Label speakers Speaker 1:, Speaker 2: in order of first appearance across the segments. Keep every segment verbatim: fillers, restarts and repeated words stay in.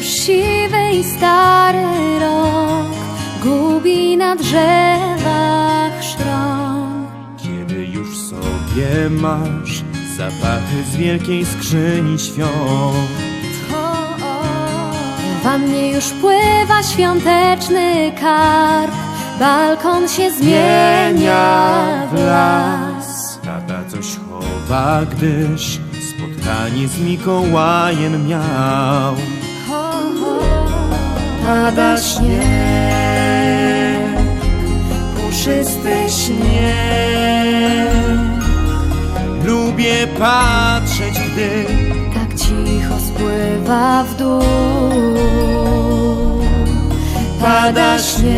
Speaker 1: już siwy i stary rok gubi na drzewach szron.
Speaker 2: Kiedy już w sobie masz zapachy z wielkiej skrzyni świąt,
Speaker 1: W wannie już pływa świąteczny karp, balkon się zmienia w las.
Speaker 2: tata coś chowa, gdyż spotkanie z Mikołajem miał. Pada śnieg, puszysty śnieg. Lubię patrzeć, gdy
Speaker 1: Tak cicho spływa w dół.
Speaker 2: pada śnieg,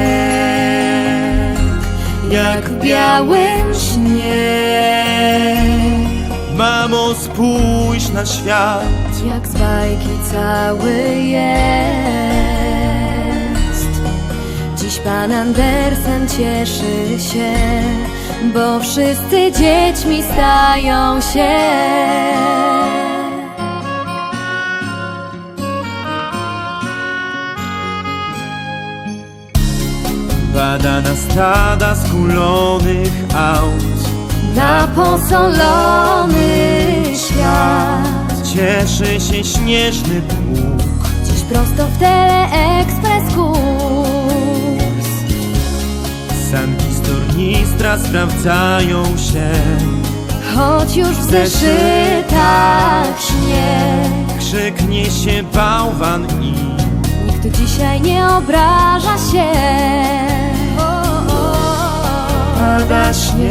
Speaker 2: jak w białym śnie. Mamo, spójrz na świat,
Speaker 1: Jak z bajki cały jest. Dziś pan Andersen cieszy się, bo wszyscy dziećmi stają się.
Speaker 2: pada na stada skulonych aut,
Speaker 1: Na posolony świat.
Speaker 2: cieszy się śnieżny pług.
Speaker 1: Dziś prosto w Teleexpress kurs.
Speaker 2: Sanki z tornistra sprawdzają się,
Speaker 1: Choć już w zeszytach śnieg.
Speaker 2: krzyknie się bałwan i
Speaker 1: Nikt dzisiaj nie obraża się.
Speaker 2: pada śnieg,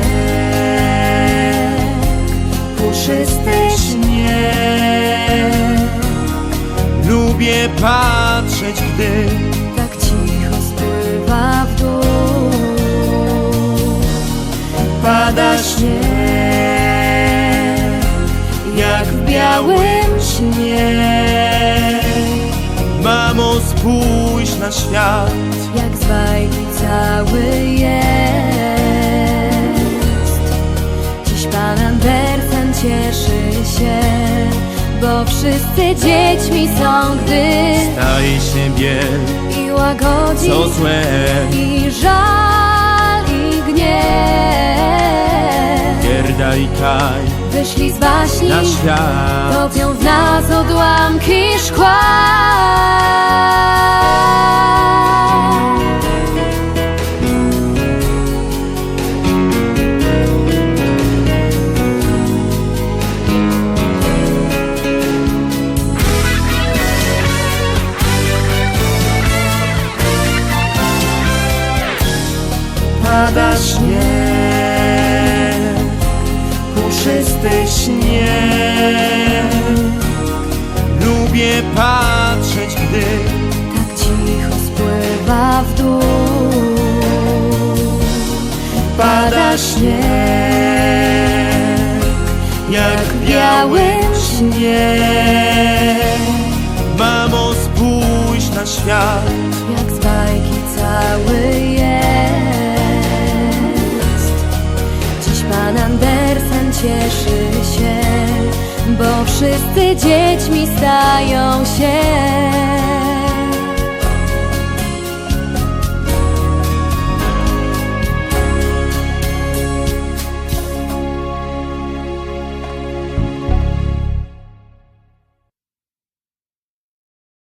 Speaker 2: puszysty śnieg. Lubię patrzeć, gdy
Speaker 1: Tak cicho spływa w dół.
Speaker 2: pada śnieg, jak w białym śnie. Mamo, spójrz na świat,
Speaker 1: Jak z bajki cały jest. Dziś pan Andersen cieszy się, bo wszyscy dziećmi są, gdy
Speaker 2: staje się biel,
Speaker 1: i łagodzi
Speaker 2: co złe.
Speaker 1: i żal i gniew.
Speaker 2: Gerda i Kaj
Speaker 1: Wyszli z baśni,
Speaker 2: na świat,
Speaker 1: topią w nas odłamki szkła.
Speaker 2: pada śnieg, puszysty śnieg. Lubię patrzeć, gdy
Speaker 1: Tak cicho spływa w dół.
Speaker 2: pada śnieg, jak w białym śnie. Mamo, spójrz na świat,
Speaker 1: Jak z bajki cały jest. Dziś pan Andersen cieszy się, bo wszyscy dziećmi stają się.